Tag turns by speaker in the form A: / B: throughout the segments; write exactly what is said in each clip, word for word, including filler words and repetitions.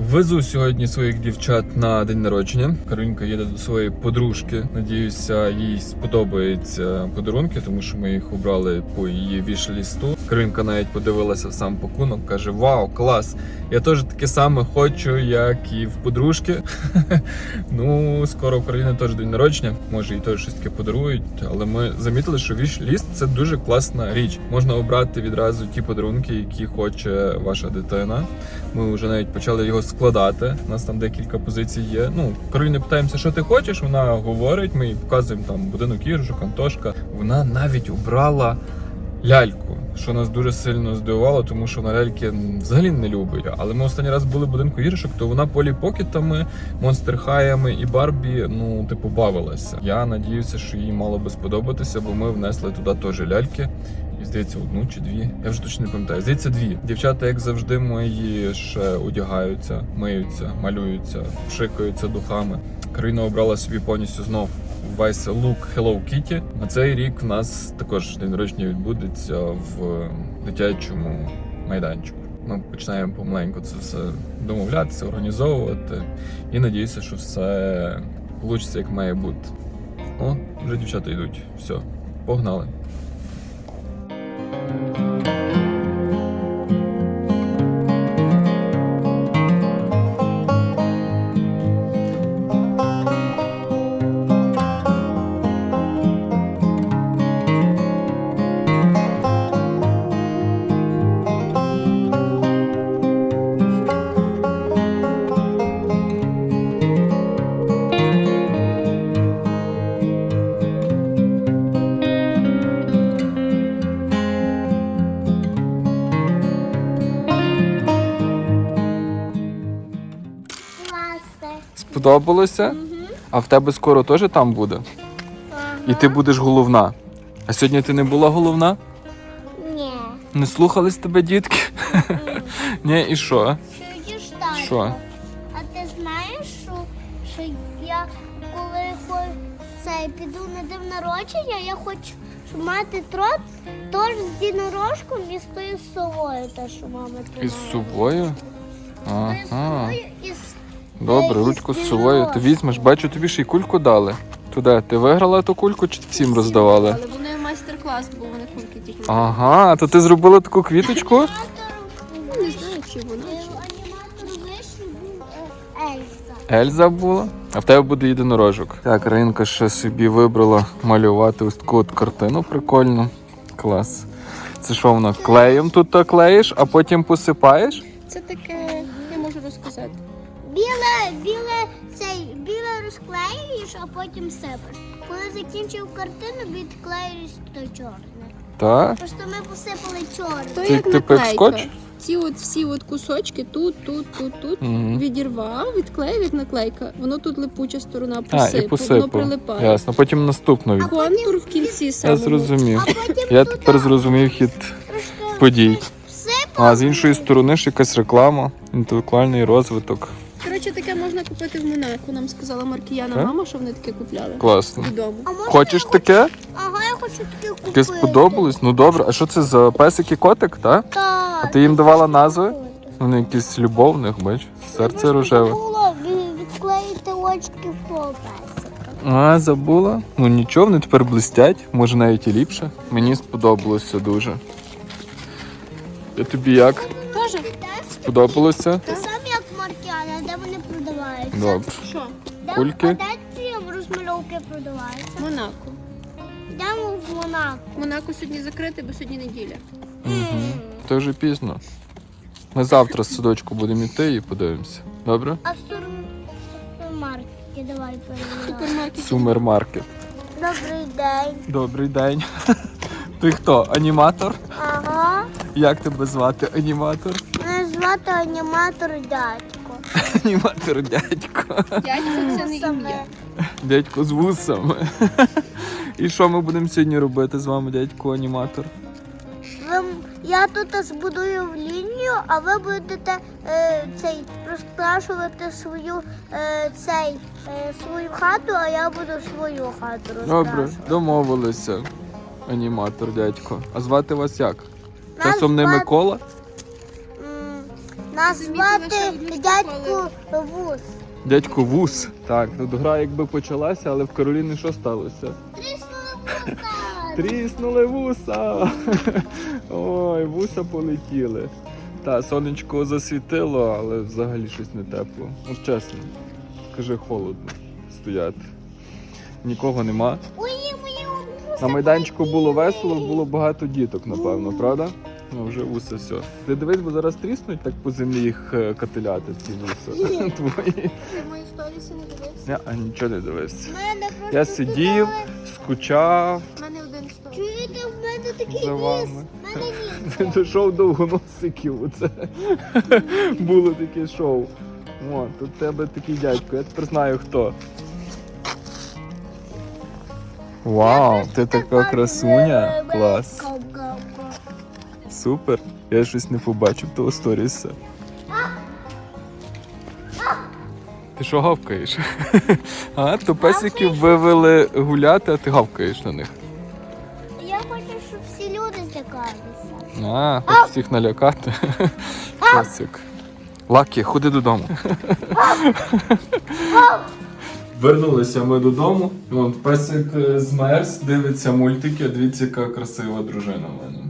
A: Везу сьогодні своїх дівчат на день народження. Каролінка їде до своєї подружки. Надіюся, їй сподобаються подарунки, тому що ми їх обрали по її віш-лісту. Каролінка навіть подивилася в сам пакунок, каже: вау, клас! Я теж таке саме хочу, як і в подружки. Ну, скоро в Кароліни теж день народження. Може, їй теж щось таке подарують. Але ми замітили, що віш-ліст – це дуже класна річ. Можна обрати відразу ті подарунки, які хоче ваша дитина. Ми вже навіть почали його складати. У нас там декілька позицій є. Ну, Кароліни питаємося, що ти хочеш, вона говорить, ми їй показуємо там будинок іграшок, Антошка. Вона навіть обрала ляльку, що нас дуже сильно здивувало, тому що вона ляльки взагалі не любить. Але ми останній раз були в будинку іграшок, то вона Полі Покетами, Монстер Хайами і Барбі, ну, типу, бавилася. Я надіюся, що їй мало би сподобатися, бо ми внесли туди теж ляльки. І, здається, одну чи дві. Я вже точно не пам'ятаю. Здається, дві. Дівчата, як завжди, мої ще одягаються, миються, малюються, пшикаються духами. Кароліна обрала собі повністю знов весь лук Hello Kitty. На цей рік в нас також день народження відбудеться в дитячому майданчику. Ми починаємо помаленьку це все домовлятися, організовувати. І надіюся, що все вийде, як має бути. О, вже дівчата йдуть. Все, погнали. Сподобалося? Угу. А в тебе скоро теж там буде? Ага. І ти будеш головна. А сьогодні ти не була головна?
B: Ні.
A: Не слухались тебе дітки? Mm. Ні, і що?
B: Чуєш, татко?
A: Що?
B: А ти знаєш, що, що я коли цей, піду на день народження, я хочу, щоб мати трот, тож з дінорожком і з тою совою, те, що мама тримала.
A: Із совою? Ага.
B: З совою і з...
A: Добре, ручку з совою ти візьмеш. Бачу, тобі ще й кульку дали. Туди, ти виграла ту кульку чи всім роздавали?
C: Але вони майстер-клас, бо вони кульки тільки.
A: Ага, то ти зробила таку квіточку?
C: Ну, не знаю, чи вона.
B: Аніматор вишні був Ельза.
A: Ельза була? А в тебе буде єдинорожок. Так, Ринка ще собі вибрала малювати ось таку от картину прикольну. Клас. Це що воно, клеєм тут то клеїш, а потім посипаєш?
C: Це таке, я можу розказати.
B: Біле, біле, цей, біле розклеюєш, а потім сипеш. Коли закінчив картину, відклеюєш то чорне.
A: Так?
B: Просто ми посипали чорне.
C: То
A: Ти
C: як
A: типу як
C: наклейка.
A: скотч?
C: Ці от всі от кусочки тут, тут, тут, тут
A: Угу.
C: відірвав, відклеїв як наклейка. Воно тут липуча сторона
A: А,
C: посипу,
A: і
C: воно
A: посипав.
C: прилипає.
A: Ясно, потім наступну від...
C: Контур в кінці
A: Я
C: самого.
A: зрозумів.
B: А потім
A: Я
B: туди
A: тепер зрозумів хід
B: трошки
A: подій.
B: всипали.
A: А з іншої сторони ж якась реклама, інтелектуальний розвиток.
C: Коротше, таке можна купити в Монако. Нам сказала Маркіяна
A: Так?
C: мама, що вони таке купляли.
A: Класно.
C: Додому.
B: А може
A: Хочеш
B: я
A: таке?
B: хочу- Ага, я хочу таке купити.
A: Таке сподобалось? Ну добре. А що це за песик і котик, так?
B: Так.
A: А ти їм давала назви? Вони якісь любовних, бач, серце рожеве.
B: Було відклеїти очки в того песика.
A: А, забула? Ну нічого, вони тепер блистять, може навіть і ліпше. Мені сподобалося дуже. Я тобі як?
C: Тоже?
A: Сподобалося?
B: Те саме, як Маркіана, де вони продаваються?
A: Добре.
C: Що?
B: Де,
A: Кульки?
B: А де ці розмальовки продаваються?
C: Монако.
B: Йдемо в Монако.
C: Монако сьогодні закрите, бо сьогодні неділя.
A: Угу. Це вже пізно. Ми завтра з садочку будемо йти і подивимося. Добре?
B: А в супермаркеті давай перевіряємо.
C: Супермаркет.
A: Сумермаркет.
B: Добрий день.
A: Добрий день. Ти хто? Аніматор?
B: Ага.
A: Як тебе звати, аніматор?
B: Мене звати аніматор дядько.
A: Аніматор дядько.
C: Дядько це не ім'я.
A: Дядько з вусами. І що ми будемо сьогодні робити з вами, дядько аніматор?
B: Ви, я тут збудую в лінію, а ви будете е, цей розкрашувати свою е, цей е, свою хату, а я буду свою хату розкрашувати.
A: Добре, домовилися. Аніматор, дядько. А звати вас як?
B: Нас
A: Часом не
B: звати-
A: Микола?
B: М, Назвати дядьку Вус.
A: Дядько Вус. Так, тут гра якби почалася, але в Кароліни що сталося?
B: Тріснули вуса.
A: Тріснули вуса! Ой, вуса полетіли. Та, сонечко засвітило, але взагалі щось не тепло. Ну, чесно, скажи, холодно стояти. Нікого нема.
B: Ой, мої вуса.
A: На майданчику було весело, було багато діток, напевно, правда? Ну, вже вуса все. Ти дивись, бо зараз тріснуть так по землі їх е, катиляти, ці вуса твої.
C: Ти мої сторіси не дивився?
A: Я а, нічого не дивився.
B: Мене просто
A: Я сидів, скучав
C: У мене один сторіс.
B: Чуєте, в мене такий
A: за
B: ніс.
A: вами.
B: В мене ніс.
A: Дійшов довгоносиків. Оце було таке шоу. О, тут в тебе такий дядько, я тепер знаю хто. Вау, ти така красуня. Клас. Супер. Я щось не побачив того сторіса. Ти що гавкаєш? А, то песиків вивели гуляти, а ти гавкаєш на них.
B: Я хочу, щоб всі люди злякалися.
A: А, хочеш всіх налякати. Песик. Лакі, ходи додому. Вернулися ми додому. Вон, песик з Мерс дивиться мультики. Дивіться, яка красива дружина в мене.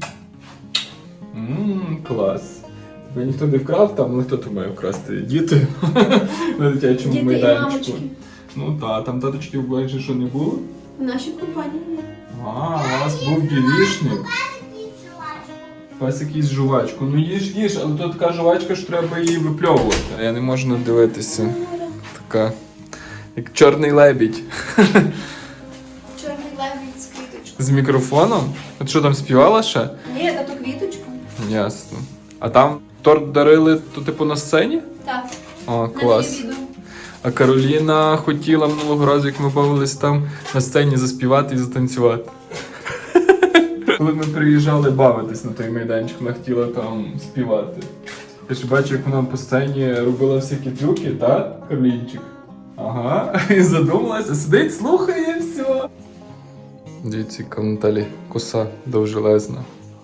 A: Ммм, клас. Тебе ніхто не вкрав там, ну хто то має вкрасти? Діти на дитячому
C: Діти і
A: майданчику.
C: мамочки.
A: Ну так, там таточків більше що не було.
C: В нашій компанії є.
A: А, у вас був дівішник. Песик їсть жувачку. Ну їж, їж, але тут така жувачка, що треба її випльовувати. Я не можу надивитися. Така, як чорний лебідь.
C: Чорний лебідь з квіточкою.
A: З мікрофоном? От що там співала ще?
C: Ні, та то квіточка.
A: Ясно. А там торт дарили, то типу на сцені?
C: Так.
A: О,
C: На
A: клас.
C: неї відео.
A: А Кароліна хотіла минулого разу, як ми бавились там на сцені заспівати і затанцювати. Коли ми приїжджали бавитись на той майданчик, вона хотіла там співати. Я ж бачу, як вона по сцені робила всякі трюки, так, Каролінчик? Ага, і задумалася, сидить, слухає і все. Дивіться, яка в Наталі коса довжелезна.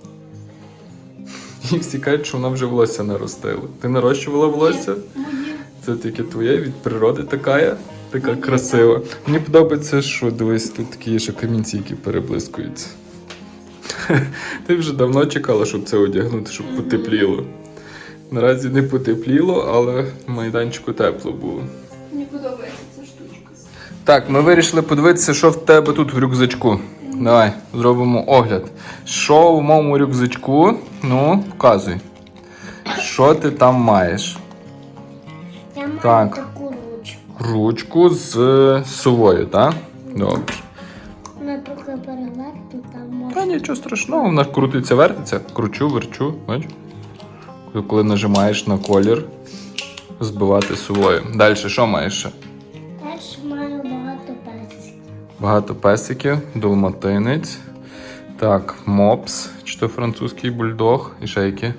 A: І всі кажуть, що вона вже волосся наростила. Ти нарощувала волосся?
C: Моє.
A: Це тільки твоє, від природи така, така красива. Мені подобається, що дивись, тут такі є ще камінці, які переблискуються. Ти вже давно чекала, щоб це одягнути, щоб потепліло. Наразі не потепліло, але в майданчику тепло було.
C: Мені подобається ця штучка.
A: Так, ми вирішили подивитися, що в тебе тут в рюкзачку. Давай, зробимо огляд. Що в моєму рюкзачку? Ну, показуй. Що ти там маєш?
B: Я маю
A: Так.
B: таку ручку.
A: Ручку з е, совою, так? Добре.
B: Вона трохи перевернута,
A: Та
B: може.
A: нічого страшного, вона крутиться, вертиться. Кручу, верчу, бач? Коли нажимаєш на колір, збивати совою. Далі, що маєш ще?
B: Теж маю багато песиків.
A: Багато песиків, далматинець. Так, мопс, чи то французький бульдог, і ще які.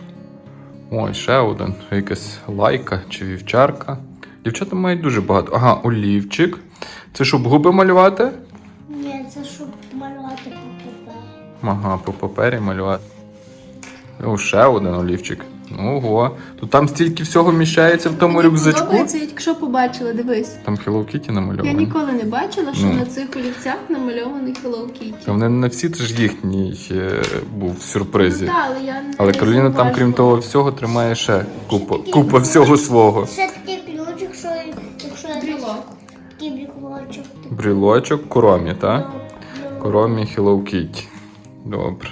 A: Ой, ще один. Якась лайка чи вівчарка. Дівчата мають дуже багато. Ага, олівчик. Це щоб губи малювати?
B: Ні, це щоб малювати по папері.
A: Ага, по папері малювати. О, ще один олівчик. Ого. То там стільки всього міщається в тому
C: Мені
A: рюкзачку.
C: подобається, я тільки що побачила, дивись.
A: Там Hello Kitty
C: Я
A: намальований.
C: ніколи не бачила, що
A: Ну.
C: на цих олівцях намальований Hello Kitty.
A: Та вони не всі, це ж їхній е, був в сюрпризі.
C: Ну, та, але я не
A: Але Кароліна там, крім
C: зауважила.
A: того всього, тримає ще купу, купа всього свого.
B: Ще такий ключик, що якщо я
C: Брілок.
B: такий брілочок.
A: Брілочок, коромі, так?
B: Ну,
A: Коромі Hello Kitty. Добре.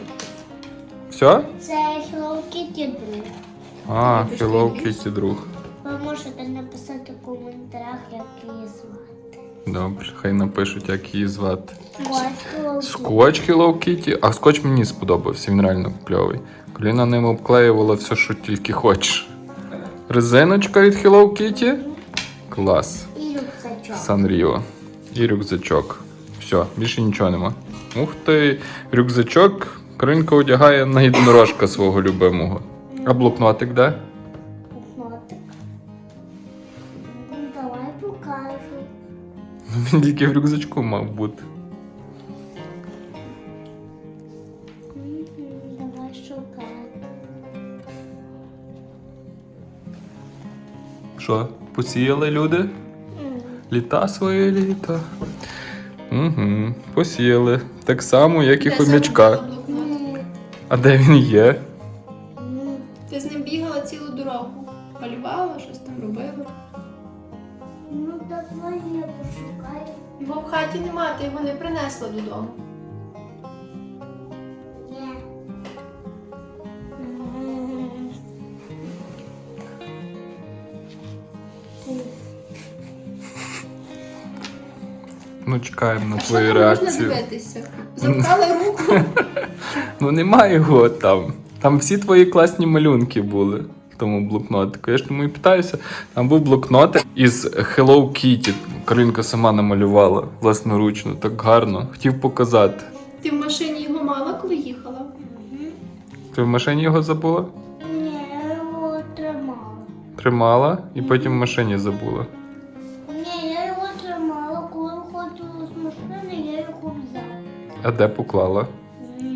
A: Все?
B: Це Hello Kitty друг.
A: А, Hello Kitty друг.
B: Ви можете написати в коментарях, як її звати.
A: Добре, хай напишуть, як її звати.
B: Ось Hello Kitty.
A: Скотч Hello Kitty, а скотч мені сподобався, він реально кльовий. Коліна ним обклеювала все, що тільки хочеш. Резиночка від Hello Kitty. Клас.
B: І рюкзачок.
A: Санріо. І рюкзачок. Все, більше нічого нема. Ух ти, рюкзачок Каринка одягає на єдинорожка свого любимого. А блокнотик де?
B: Блокнотик. Ну, давай покажу.
A: Він тільки в рюкзачку мав бути.
B: Мгм, давай шукай.
A: Що, посіяли люди?
B: М.
A: Літа свої літа. Угу, посіяли. Так само, як і
C: Де
A: хомячка.
C: загубила блокнот?
B: М.
A: А де він є?
B: М.
C: Ти з ним бігала цілу дорогу. Малювала, щось там робила.
B: Ну, так я пошукаю.
C: Його в хаті нема, ти його не принесла додому.
B: Є. М.
A: Ну, чекаємо на
C: А що
A: твою
C: там можна
A: реакцію.
C: дивитися? Запхали руку.
A: Ну немає його там. Там всі твої класні малюнки були в тому блокнотику. Я ж тому і питаюся. Там був блокнотик із Hello Kitty. Каролінка сама намалювала власноручно, так гарно. Хотів показати.
C: Ти в машині його мала, коли їхала?
B: Мгм.
A: Ти в машині його забула?
B: Ні, я його тримала.
A: Тримала і потім в машині забула.
B: Ні, я його тримала, коли виходила з машини, я його взяла.
A: А де поклала?
B: М.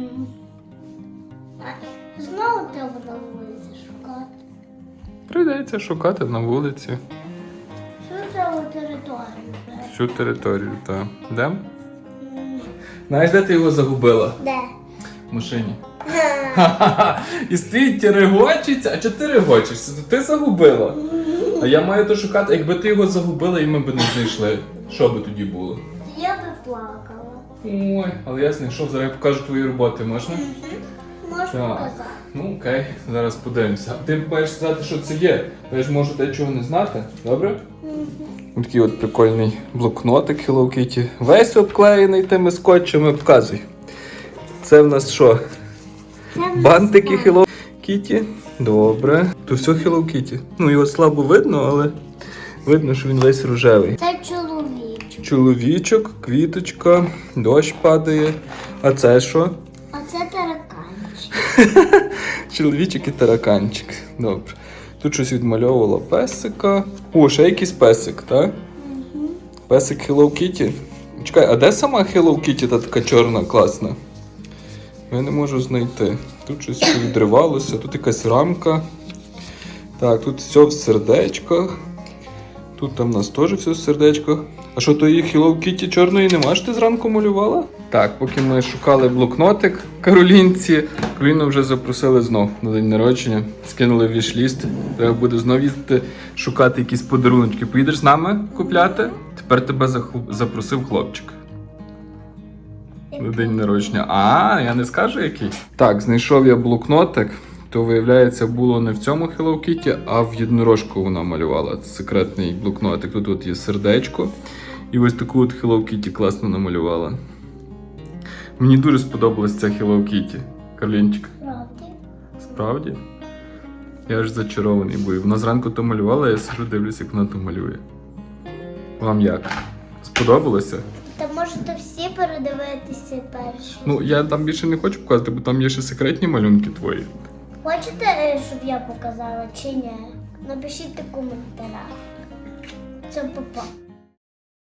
B: А знову треба на вулиці шукати.
A: Прийдеться шукати на вулиці.
B: Що треба територію?
A: Всю територію, так. Де?
B: М.
A: Знаєш, де ти його загубила?
B: Де?
A: В машині. Ха-ха-ха. І стоїть і регочеться. А чого ти регочешся? То ти загубила. А я маю то шукати. Якби ти його загубила і ми б не знайшли. Що би тоді було?
B: Я би плакала.
A: Ой, але я знайшов, зараз я покажу твої роботи, можна?
B: Можеш
A: Так.
B: показати?
A: Ну окей, зараз подивимося. Ти маєш сказати, що це є. Я ж можу дечого не знати, добре?
B: Мгм.
A: Такий от прикольний блокнотик Hello Kitty. Весь обклеєний тими скотчами. Показуй. Це в нас що?
B: Я не
A: Бантики
B: знаю.
A: Hello Kitty. Добре. То все Hello Kitty. Ну його слабо видно, але видно, що він весь рожевий.
B: Це чоловічок.
A: Чоловічок, квіточка, дощ падає. А це що?
B: А це тараканчик.
A: Чоловічок і тараканчик. Добре. Тут щось відмальовувала песика. О, ще якийсь песик, так?
B: Мгм.
A: Песик Hello Kitty. Чекай, а де сама Hello Kitty та така чорна, класна? Я не можу знайти. Тут щось ще відривалося, тут якась рамка. Так, тут все в сердечках. Тут там у нас теж все в сердечках. А що то її Hello Kitty чорної нема, що ти зранку малювала? Так, поки ми шукали блокнотик Каролінці, Кароліну вже запросили знов на день народження. Скинули вішліст. Треба буде знов їздити шукати якісь подарунки. Поїдеш з нами купляти? Тепер тебе заху- запросив хлопчик. На день народження. А, я не скажу який. Так, знайшов я блокнотик. То, виявляється, було не в цьому Hello Kitty, а в єдинорожку вона малювала. Це секретний блокнотик. Тут от є сердечко. І ось таку от Hello Kitty класно намалювала. Мені дуже сподобалась ця Hello Kitty. Карлінчик.
B: Правда?
A: Справді? Я аж зачарований був. Вона зранку то малювала, я сижу дивлюсь, як вона то малює. Вам як? Сподобалося?
B: Та можете всі передивитися перші.
A: Ну, я там більше не хочу показати, бо там є ще секретні малюнки твої.
B: Хочете, е, щоб я показала чи ні? Напишіть у коментарях. Це папа.